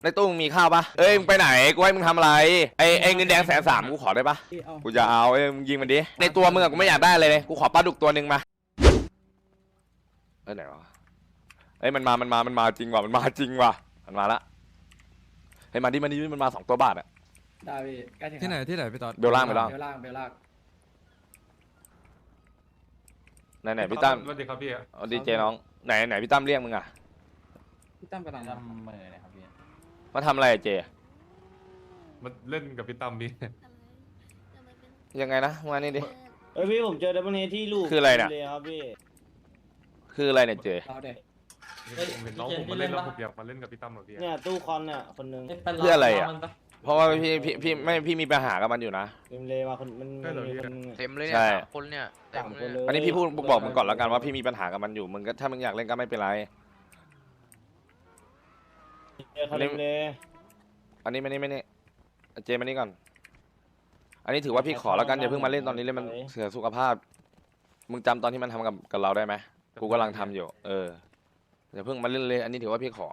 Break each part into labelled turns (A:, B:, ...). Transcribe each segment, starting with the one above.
A: ในตู้มึงมีข้าวปะเอ้ยมึงไปไหนกูให้มึงทำอะไรไอ้เงินแดง130,000กูขอได้ปะกูจะเอามึงยิงมันดิในตัวมึงกูไม่อยากได้เลยกูขอปลาดุกตัวหนึ่งมาไหนวะมันมาจริงว่ะมันมาจริงว่ะมันมาละมาดิมันมา2 ตัวบาทอะ
B: ได้พี่ใกล้ถึง
C: ที่ไหนพี่ตอน
A: เบลล่าง
B: เบลล่าง
A: ไหนพี่ตั้ม
D: สวัสดีครับพี่
A: ดีเจน้องไหนพี่ตั้มเรียกมึงอะ
B: พี่ตั้มกำลังทำมือเลยครับพี่
A: มาทำอะไรเจ
D: มาเล่นกับพี่ตั้มพี่
A: ยังไงนะมานี่ดิ
E: พี่ผมเจอดับเบิลเฮดที่ลูก
A: คืออะไรเนี่ย
E: ครับพี่
A: คืออะไรเนี่ยเจ
B: เอาเด็ก
D: ผมเห็นน้องผมมาเล่นแล้วผมอยากมาเล่นกับพี่ตั้มเหรอพี่
E: เนี่ยตู้คอนเนี่ยคนนึง
A: เพื่ออะไรอ่ะเพราะว่าพี่มีปัญหากับมันอยู่นะ
E: เต็มเลยมาคนมันมีคน
F: เต็มเลยเนี่ย3 คนเนี่ยเต็มเลย
A: อันนี้พี่พูดบอกมึงก่อนแล้วกันว่าพี่มีปัญหากับมันอยู่มึงก็ถ้ามึงอยากเล่นก็ไม่เป็นไร
E: เขาเต็มเลย
A: อันนี้ไม่นี่เจมานี่ก่อนอันนี้ถือว่าพี่ขอแล้วกันอย่าเพิ่งมาเล่นตอนนี้เลยมันเสียสุขภาพมึงจำตอนที่มันทำกับเราได้ไหมกูกำลังทำอยู่อย่าเพิ่งมาเล่นเลยอันนี้ถือว่าพี่ขอ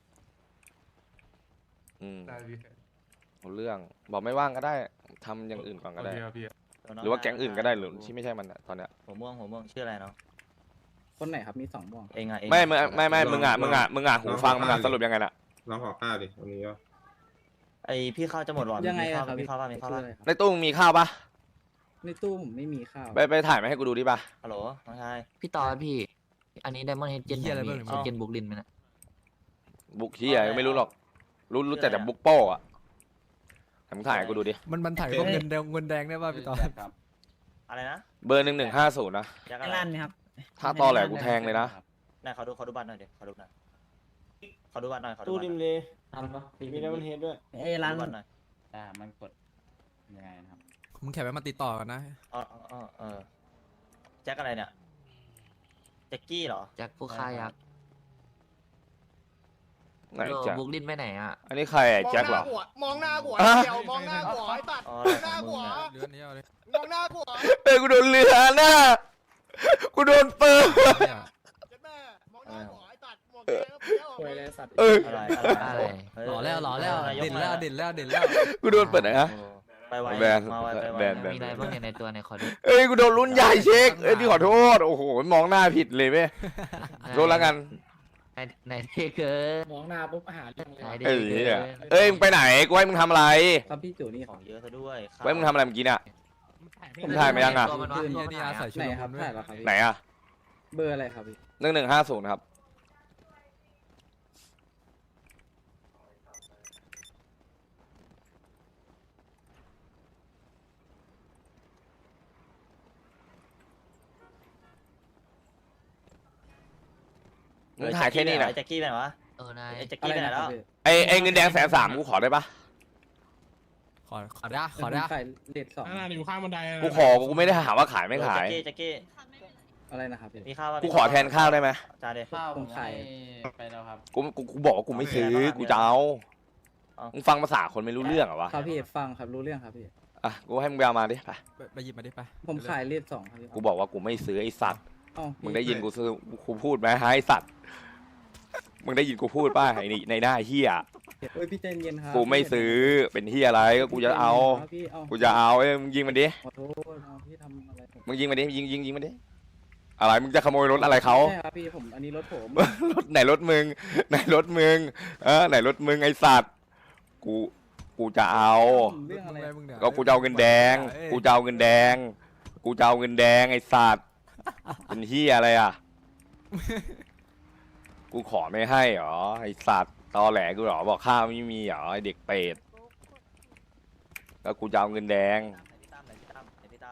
D: ได้พี่
A: เรื่องบอกไม่ว่างก็ได้ทำอย่างอื่นก่อนก็ได้หรือว่าแก๊งอื่นก็ได้หรือที่ไม่ใช่มันตอนเนี้ย
E: หัวม่วงชื่ออะไรเนาะ
B: คนไหนครับมี2 ม่วง
E: เองอ่ะ
A: ไม่มึงอ่ะหูฟังมึงอ่ะสรุปยังไงน่ะ
G: น้องขอข้าวดิวันนี้ก็
E: ไอพี่ข้าวจะหมดหรอ
B: ยังไงครับ
E: มีข้าวป่ะ
A: ในตู้มึงมีข้าวปะ
B: ในตู้ผมไม่มีข้าว
A: ไปถ่ายมาให้กูดูดิปะ
E: ฮัลโหลน้องชาย
F: พี่ต่อพี่อันนี้ไดมอนด์เฮดเจนอะไรเจนบุกลินไหมนะ
A: บุกที่ไหนไม่รู้หรอกรู้แต่บุกโป้อะมึงถ่ายกูดูดิ
C: มันถ่ายก็เงินแดงได้ป่ะพี่ตอน
E: อะไรนะ
A: เบอร์1150นะ
E: ร้านไหมครับ
A: ถ้าตอแหลกูแทงเลยนะ
E: ไหนเขาดูบัตรหน่อยดิเขาดูบัตรหน่อยตู้ดิมเลยทำปะมีดับเบิลเฮดด้วยร้านบัตรหน่อย
B: มันกดยังไงนะครับ
C: มึงแคปไว้มาติดต่อกันนะ
E: แจ็คอะไรเนี่ยแจ็คกี้เหรอ
F: แจ็คผู้ฆ่ายักษ์
A: ไหนแจ็ค
F: บุกลินไปไหนอ่ะ
A: อันนี้ใครแจ็คเหรอ
H: มองหน้าหัวเดียวมองหน้าหัวไอ้ตัดหน้าหัว
C: เรื่องนี้เอาเลย
H: มองหน้าหัว
A: กูโดนเรือหน้ากูโดนปืน
H: แม่มองหน้าหัวไอ้ตัดหมวกแดง
B: ป่วยเลยสัตว์
F: อะไร
C: หล่อแล้วเด่นแล้ว
A: กูโดนเปิดไหนฮะ
E: ไปไว
A: แบน
F: มีอะไรบ้างในตัวในคอร์ด
A: กูโดนรุ่นใหญ่เช็คพี่ขอโทษโอ้โหมองหน้าผิดเลยเว้ยโดนแล้วกัน
F: ไหนเท่เกิน
B: มองหน้าปุ๊บหาเรื่อง
A: เลยมึงไปไหนกูให้มึงทำอะไร
B: ครับพี่จู่นี่
E: ของเยอะซะด้วย
A: ไว้มึงทำอะไรเมื่อกี้เนี่ยผมถ่ายมายังอ่ะ
B: ไหนครับถ่ายแล้วครับ
A: ไหนอ่ะ
B: เบอร์อะไรครับพี่
A: 1150ครับมึงถ่ายแค่นี้นะ
E: แจ็คกี้ไปไหนวะ
F: นาย
E: แจ็คกี้ไปไหนแล้ว
A: ไอ้เงินแดง130,000กูขอได้ปะ
C: ขอได้
B: เด็ด2
H: อยู่ข้างบันได
A: กูขอกูไม่ได้ถามว่าขายไม่ขาย
E: แจ็คกี้
B: อะไรนะครับ
E: มีข้าว
A: กูขอแทนข้าวได้ไหม
E: จานเดียว
B: ข้าวผมขายไปแล้วครับ
A: กูบอกว่ากูไม่ซื้อกูจะเอามึงฟังภาษาคนไม่รู้เรื่องเหรอวะ
B: ครับพี่ฟังครับรู้เรื่องครับพี่
A: กูให้มึงไปเอามาดิ
C: ไปหยิบมาดิไป
B: ผมขายเลข2ครับ
A: กูบอกว่ากูไม่ซื้อไอสัตว์มึงได้ยินกูพูดไหมไอสัตว์มึงได้ยินกูพูดป่ะในหน้าเฮีย
B: พี่ใจเย็นครับ
A: กูไม่ซื้อเป็นเฮียอะไรก็กูจะเอามึงยิงมันดิ
B: ขอโทษพี่ทำอะไร
A: มึงยิงมันดิยิงมันดิอะไรมึงจะขโมยรถอะไรเขา
B: ใช่ครับพี่ผมอันนี้รถผม
A: รถไหนรถมึงไหนรถมึงไอสัตว์กูจะเอาก็กูจะเอาเงินแดงไอสัตว์เป็นเฮียอะไรอ่ะกูขอไม่ให้หรอไอสัตว์ตอแหลกูหรอบอกข้าวไม่มีหรอไอเด็กเป็ดแล้วกูจะเอาเงินแดง
E: ไหนพี่ตั้มไหนพี่ตั้มไหนพี่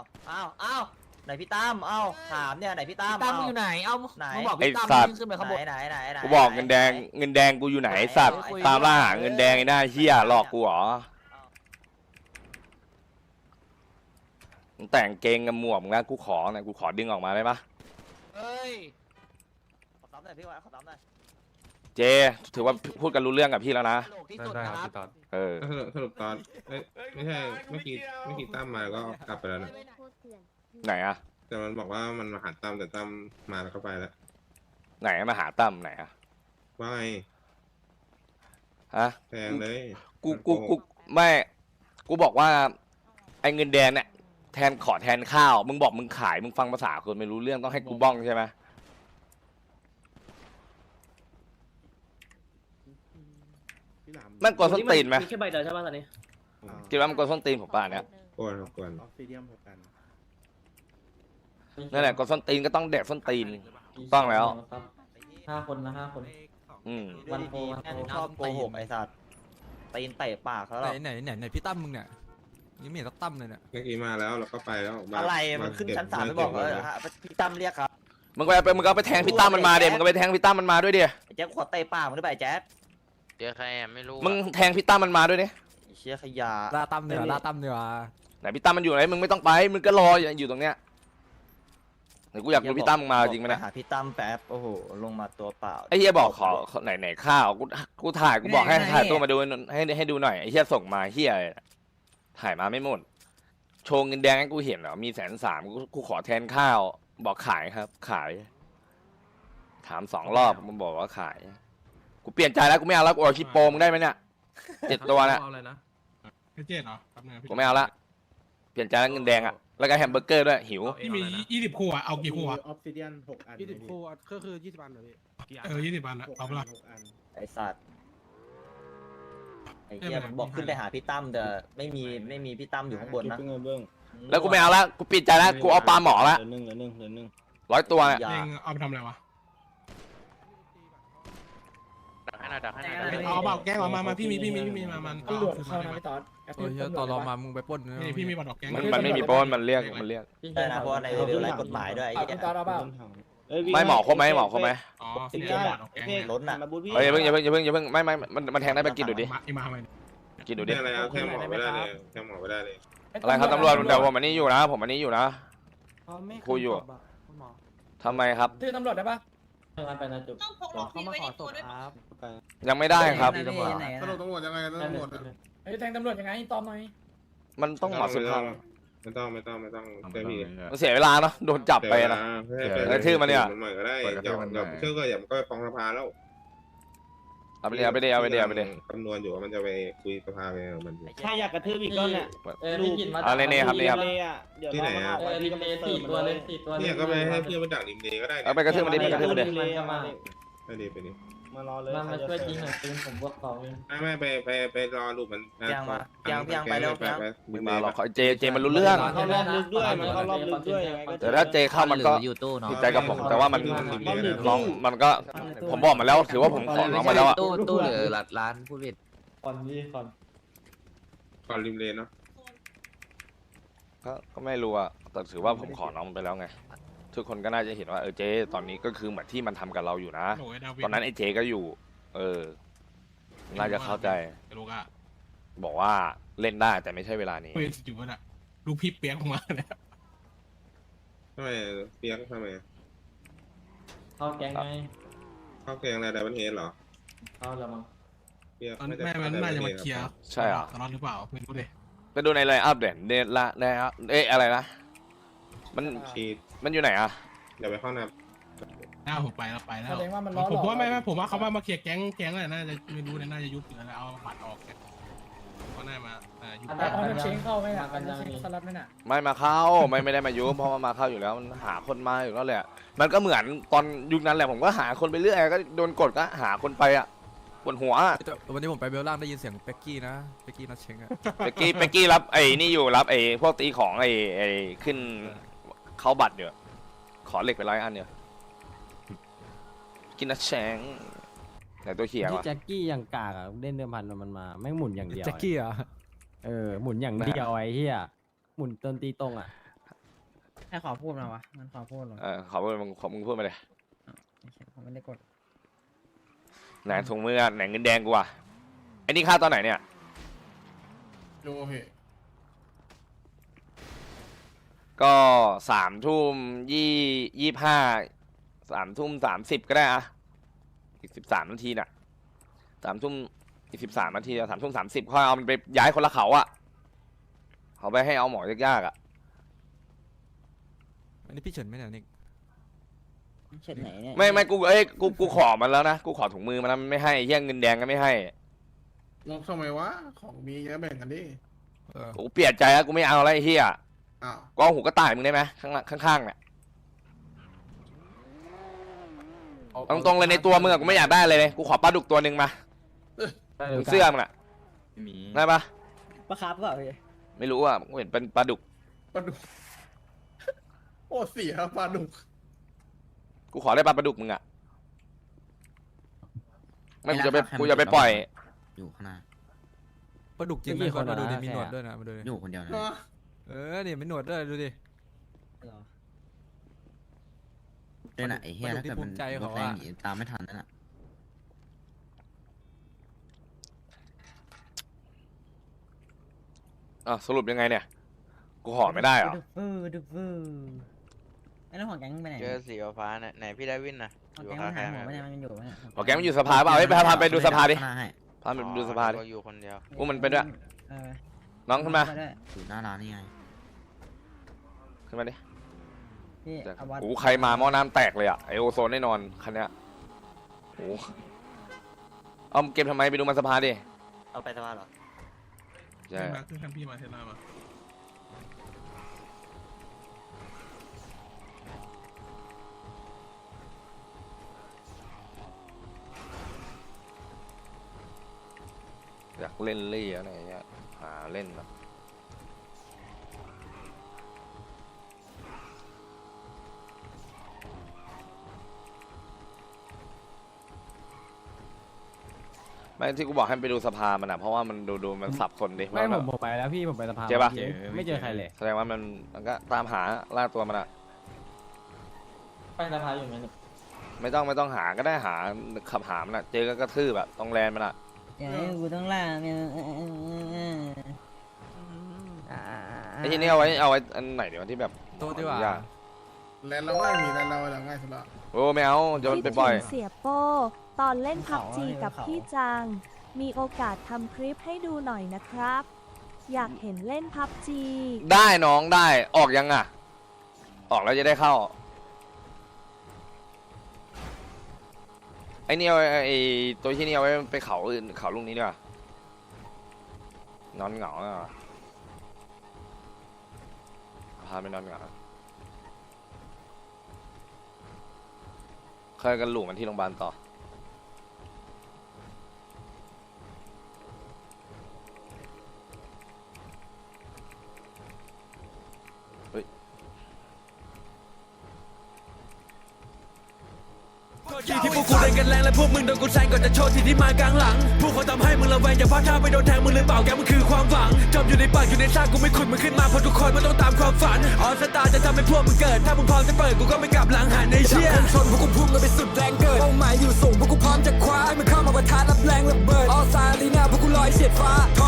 E: ตั้มถามเนี่ยไหนพี่ตั้ม
F: อยู่ไหนมึงบอกพี่ตั้มขึ้นไปข้างบน
E: ไหน
A: กูบอกเงินแดงกูอยู่ไหนสัตว์ตามล่าหาเงินแดงไอ้หน้าเหี้ยหลอกกูหรอแต่งเกงกับหมวกนะกูขอดึงออกมาได้ปะ
E: ขอตามหน่อยพี่วะขอตามหน่อย
A: เจถือว่าพูดกันรู้เรื่องกับพี่แล้วนะ
D: ได้ครับพี่ตอน
G: สรุปตอนไม่ใช่เมื่อกี้ตั้มมาก็กลับไปแล้วนะ
A: ไหนอะ
G: แต่มันบอกว่ามันมาหาตั้มแต่ตั้มมาแล้วก็ไปแล้ว
A: ไหนมาหาตั้มไหนอะ
G: ว่าไง
A: ฮะ
G: แพงเลย
A: กูไม่กูบอกว่าไอ้เงินแดงเนี่ยแทนขอแทนข้าวมึงบอกมึงขายมึงฟังภาษาคนไม่รู้เรื่องต้องให้กูบ้องใช่ไหม
G: พี่หลาม
A: มันกดส้นตีนไหม
H: มีแค่ใบเดียวใช่ป่ะตอนนี้
A: คิดว่ามันกดส้นตีนผมป่ะเนี่ย
G: กวนครับกวน
B: ออฟฟิเดียม6 อัน
A: นั่นแหละกดส้นตีนก็ต้องแดกส้นตีนต้องแล้ว
E: 5 คนนะ5 คน
A: อืม
E: วันโพชอบโกหกไอ้สัตว์ตีนเตะปากเขาหร
C: ไหนพี่ตั้มมึงเนี่ยยังไม่เห็นสักตั้มเลยเนี่ย
G: เมื่อกี้มาแล้วเราก็ไปแล้วมา
E: อะไรมันขึ้นชั้น3ไม่บอกเลยพี่ตั้มเรียกครับ
A: มึงก็ไปแทงพี่ตั้มมันมาเดี๋ยวมึงก็ไปแทงพี่ตั้มมันมาด้วยเดี๋ยว
E: ไอ้แจ๊คขอเตะปากมึงได้ป่ะไอ้แจ๊ค
F: เดี๋ยวใครอ่ะไม่รู้
A: มึงแทงพี่ตั้มมันมาด้วยดิ
E: ไอ้เชี่ยขยะ
C: ล่าตั้มเนี่ยล่าตั้มเนี่ย
A: ไหนพี่ตั้มมันอยู่ไหนมึงไม่ต้องไปมึงก็รออยู่ตรงเนี้ยไหนกูอยากรู้พี่ตั้มมึงมาจริงไหม
E: ไป
A: นะ
E: หาพี่ตั้มแป๊บโอ้โหลงมาตัวเปล่า
A: ไอ้เฮียบอกขอไหนข้าวกูถ่ายกูบอกให้ถ่ายตัวมาดูให้ดูหน่อยไอ้เฮียส่งมาเฮียถ่ายมาไม่หมดโชว์เงินแดงให้กูเห็นเหรอมี130,000กูขอแทนข้าวบอกขายครับ ขาย ถาม2 รอบมึงบอกว่าขายกูเปลี่ยนใจแล้วกูไม่เอาแล้วกูเอาชิปโปมึงได้ไหมเนี่ย7 ตัวเนี่ย
D: เอาอะไรนะ
I: พี่เจ็ดเหรอแป๊บนึง
A: กูไม่เอาละเปลี่ยนใจแล้วเงินแดงอ่ะแล้วก็แฮมเบอร์เกอร์ด้วยหิว
I: พี่มี20 คู่อะเอากี่คู่อะ
B: ออฟฟิเดียม6 อัน
I: 20 คู่ก็คือ20 อันเหรอพี่20 อันอะเอาเปล่า
B: 6 อัน
E: ไอ้สัตว์ไอ้เหี้ยมันบอกขึ้นไปหาพี่ตั้มแต่ไม่มีพี่ตั้มอยู่ข้างบนนะ
A: แล้วกูไม่เอาละกูเปลี่ยนใจแล้วกูเอาปลาหมอละ100 ตัวเนี่ย
E: อย่า
I: เองเอาไปทำอะไรวะ
F: ดักให้หน่อยดักให้หน่อย
I: เอาเปล่าแกงออกมาพี่มีมามัน
B: ตำรวจเข้านะพี่ต๊อด
C: โอ้ยตอนรอมามึงไปปล้น
I: นี่พี่มีบัตรออกแกง
A: มันไม่มีโป้นมันเรียก
E: ได้นะเพราะว่าในเรื่องไรกฎหมายด้วยไอ้
B: พี่
E: เหี้ย
B: ต๊อดเอาเปล่า
A: ไม่หมอครบไหมหมอครบไหม
I: อ๋อพี่มีบัตรออกแกง
E: ล้นอ่ะ
A: เฮ้ยอย่าเพิ่งไม่มันแทงได้ไปกินดูดิ
I: มาทำไม
A: กินดูดิ
G: แค่อะไรเอาแค่หมอไม่ได้เลยแค่หมอไม่ได้เลย
A: อะไรครับตำรวจเดี๋ยวผมอันนี้อยู่นะผมอันนี้อยู่นะคุยอยู่ทำไมครับ
B: ชื่อตำรวจได้ปะ
H: ต้องพกหลบพี่ไว้ในตัวด้วย
A: ยังไม่ได้ครับ
G: สรุปตำรวจยังไงตำรวจ
B: เฮ้ยแทงตำรวจยังไงตอบหน่อย
A: มันต้องหมอสุดท้าย
G: ไม่ต้องเจ้พี่
A: มันเสียเวลาเนาะโดนจับไปนะ ชื่อมันเนี่ย
G: มันใหม่ก็ได้อย่าเชื่อก็อย่ามันก็ไปฟ้องสภาแล้ว
A: เอาไปเดี๋ยว
G: คำนวณอยู่ว่ามันจะไปคุยสภาไปมัน
E: ถ้าอยากกระทืบอีกก็เนี่ย
B: พี่กินมา
A: เอาเนี่ยครับนี่ครับ
G: ที่ไหนอ่ะ
B: รีเลย์4 ตัวเลย
G: เนี่ยก็ไปให้เพื่อนมาดักริมเลก็ได้
A: เอาไปกระทืบมันดิไปกระทืบมันดิ
G: ไปดิ
E: มารอเลย
B: มาช่วยจริงหน่อยปืนผมบวก2เอง
G: ไม่ไปรอลูกมัน
E: ยังไปแล้ว
A: มึงมาหรอกเจมันรู้เรื่อง
E: เข้ารอบลึกด้วยมันเข้ารอบลึกด้วยยังไงก็
A: แต่ถ้าเจเข้ามันก็
F: อยู่ตู้เนาะ
A: ผิดใจกับผมแต่ว่ามันน้องมันก็ผมบอกมาแล้วถือว่าผมขอน้องมาแล้วอะ
F: ตู้หรือร้านพูดผิด
E: ก่อนนี่ก่อน
G: ก่อนริมเลนเนาะ
A: ก็ไม่รู้อะแต่ถือว่าผมขอน้องมันไปแล้วไงทุกคนก็น่าจะเห็นว่าเจตอนนี้ก็คือเหมือนที่มันทำกับเราอยู่นะ ตอนนั้นไอ้เจก็อยู่ น่าจะเข้าใจ
I: ลูกอะ
A: บอกว่าเล่นได้แต่ไม่ใช่เวลานี้
I: เฮ้ยอยู่วะน่ะลูกพี่เปียกมาเนี่ย
G: ทำไมเปียกทำไม
B: เข้าแก๊งไง
G: เข้าแกงอะไรดับเบิลเฮดเหรอ
B: เข้าแล้วมั้ง
G: เปียก
I: แม่มันน่าจะมาเคลียร์
A: ใช่เหรอ
I: ตลอดหรือเปล่าไม่รู้เลย
A: ไปดูในไลน์อัพเด่นเดนละอะไรนะมัน
G: ชีด
A: มันอยู่ไหนอะ
G: เดี๋ยวไปเข้านับ
I: หน้าผมไปแล้ว
B: แสดงว่ามันล้อหล
I: ผม
B: อก
I: ว่าผมว่าเขามาเคลียร์แก๊งอะไรน่าจะไม่รู้เลยน่าจะยุบอยู่แล้วเอาบัตรออกก็น่ามายุบ
B: แต่เอาเชงเข้าไหมอ่ะเอาเชงสลัดไหมน่ะ
A: ไม่มาเข้าไม่ได้มายุบเพราะว่ามาเข้าอยู่แล้วมันหาคนมาอยู่แล้วแหละมันก็เหมือนตอนยุคนั้นแหละผมก็หาคนไปเรื่อยก็โดนกดก็หาคนไปอะปวดหัวอะ
C: วันนี้ผมไปเบลล่างได้ยินเสียงเป็กกี้นะเป็กกี้นัดเชงอะ
A: เปกกี้รับไอ้นี่อยู่รับไอ้พวกตีของไอ้ขึ้นเข้าบัตรเดี๋ยวขอเหล็กไป100 อันเดี๋ยวกินนะแชงไหนตัวเขียว
J: ที่
A: อะ
J: แจ็คกี้อย่างกากอะเล่นเดิมพันมันมาแม่งหมุนอย่างเดียว
C: แจ็คกี้เหรอ
J: หมุนอย่างเดียวไอ้เหี้ยหมุนจนตีตรงอ่ะ
B: ให้ขอพูดมาวะมันขอพูดหรอ
A: ขอมึงพูดมาเลย
B: ผมไม่ได้กด
A: ไหนถุงมือไหนเงินแดงกูอะไอ้นี่ค่าตอนไหนเนี่ย
I: ดูพี่
A: ก็3:25 3:30ก็ได้อะอีก13 นาทีน่ะอีก13 นาทีอะ3:30ค่อยเอามันไปย้ายคนละเขาอะเขาไปให้เอาหมอยากๆอะ
C: อันนี้พี่เฉินไหมเนี่ยนิก
B: เช็ดไหนเนี่ย
A: ไม่กูขอมันแล้วนะกูขอถุงมือมันนะมันไม่ให้เฮี้ยเงินแดงก็ไม่ให้
H: งงทำไมวะของมีเยอะแบ่งกันดิ
C: เออ
A: กูเปลี่ยนใจแล้วกูไม่เอาอะไรไอ้เฮีย
H: อ้าว
A: กูเอาหูกระต่ายมึงได้ไหมข้างๆเนี่ยตรงๆเลยในตัวมึงอะกูไม่อยากได้เลยกูขอปลาดุกตัวหนึ่งมาเสื้อมึงอะ
E: ไม่มี
A: ได้ปะ
B: ปลาคาร์ฟเปล่าพี่
A: ไม่รู้อะกูเห็นเป็นปลาดุก
H: ปลาดุกโอ้เสียปลาดุก
A: กูขอได้ปลาดุกมึงอะไม่กูจะไปปล่อย
E: อยู่ข้างหน้า
C: ปลาดุกจริงไหมมาดูดิมีหนวดด้วยนะมาดูดิ
E: อยู่คนเดียวนะ
C: เออนี่มีหนวดด้วยดูดิ
E: ด้วยน่ะไอ้เหี้ยถ้าเกิดมันรถแรงหนีตามไม่ทันนั่นน่ะ
A: สรุปยังไงเนี่ยกูห่อไม่ได้เหรอ
B: ดูไอ้เรื่องของแก๊งไปไหน
G: เจอสีฟ้าเนี่ยไหนพี่ได้วินนะ
B: ของแก๊งมันหายหัวไปไหนมันอยู่ไหมเนี่ย
A: แกมันอยู่สภาเปล่าเฮ้ยพาไปดูสภาดิ
E: ข้งหน้ให้
A: พาไปดูสภาดิ
G: อยู่คนเดียว
A: กูมันไปด้วย
B: เออ
A: น้องขึ้นมา
B: ไปด้วย
E: อยู่หน้าร้านนี่ไง
A: ขึ้นมาดิ
B: พี่เอาวัด
A: โอ้ใครมาหม้อน้ำแตกเลยอะไอโอโซนแน่นอนคันเนี้ยโอ้เอาเก็บทำไมไปดูมันสภาดิ
E: เอาไปสภาเหรอ
A: ใช่
I: มาขึ้นคันพี่มาเทสลามา
A: อยากเล่นเล่อะไรเงี้ยหาเล่นแบบไม่ที่กูบอกให้ไปดูสภามันอะเพราะว่ามันดูมันสับสนดิ
J: ไม่
A: ว่า
J: ผมไปแล้วพี่ผมไปสภา
A: เจ๊ปะ
J: ไม่เจอใครเลย
A: แสดงว่ามันก็ตามหาล่าตัวมันอะ
E: ไปสภาอยู่ไหม
A: ไม่ต้องหาก็ได้หาขับหามันอะเจอก็กระทืบอะต้องแลนมันอะ
B: อย่าให้กูต้องล่าเนี่ย
A: ไอ้ที่นี่เอาไว้อันไหนเดี๋ยวที่แบบ
C: โต๊ะดีกว่า
A: ยาก
H: แล้วเราง่ายมีแล้วเราง่ายสุดละ
A: โอ้ไม่เอาเดี๋ยวมันไปปล่อย
K: คิดถึงเสียโป้ตอนเล่นพับจีกับพี่จัง มีโอกาสทำคลิปให้ดูหน่อยนะครับ อยากเห็นเล่นพับจี
A: ได้น้องได้ออกยังอะออกแล้วจะได้เข้าไอ้นี่เอาไอ้ตัวที่นี่เอาไว้ไปเขาอื่นเขาลูกนี้ดีกว่านอนเหงาอ่ะพาไปนอนเหงาเคยกันหลูมันที่โรงพยาบาลต่อเฮ้ย
L: ที่พวกกูเล่นกันแรงและพวกมึงโดนกูแซงก่อนจะโชว์ที่ที่มากลางหลังพวกเขาทำให้มึงระแวงอย่าพลาดท่าไปโดนแทงมึงหรือเปล่าแกมันคือความหวังจมอยู่ในปากอยู่ในซากกูไม่ขุดมึงขึ้นมาเพราะทุกคนมันต้องตามความฝันออสตาจะทำให้พวกมึงเกิดถ้ามึงพร้อมจะเปิดกูก็ไม่กลับหลังหันในเชี่ยชนพวกกูพุ่งกันไปสุดแรงเกิดเป้าหมายอยู่สูงพวกกูพร้อมจะคว้าให้มึงเข้ามาประทะรับแรงระเบิดออสตาลีนาพวกกูลอยเฉียดฟ้าท